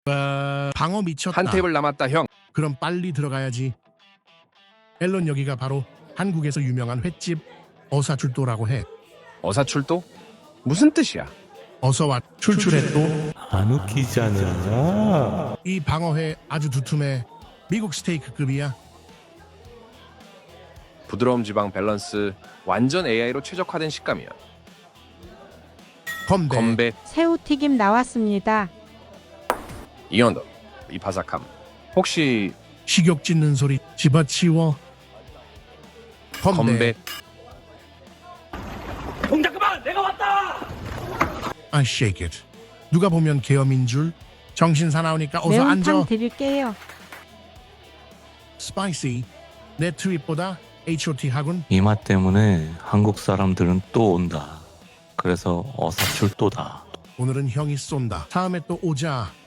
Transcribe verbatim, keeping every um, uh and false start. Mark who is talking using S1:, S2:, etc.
S1: 어, 방어 미쳤다.
S2: 한 테이블 남았다 형.
S1: 그럼 빨리 들어가야지. 앨런 여기가 바로 한국에서 유명한 횟집 어사출도라고 해.
S2: 어사출도? 무슨 뜻이야?
S1: 어서와 출출해 또.
S3: 안 웃기잖아.
S1: 이 방어회 아주 두툼해. 미국 스테이크급이야.
S2: 부드러움 지방 밸런스 완전 에이아이로 최적화된 식감이야.
S1: 건배.
S2: 건배
S4: 새우튀김 나왔습니다.
S2: 이 언더 이 바삭함. 혹시
S1: 식욕 찢는 소리 집어치워. 건배.
S2: 건배
S1: I shake it. 누가 보면 계엄인 줄. 정신 사나우니까 어서
S4: 매운탕
S1: 앉아.
S4: 드릴게요.
S1: 스파이시. 내 트윗보다 에이치 오 티 하군.
S3: 이 맛 때문에 한국 사람들은 또 온다. 그래서 어사출도다.
S1: 오늘은 형이 쏜다. 다음에 또 오자.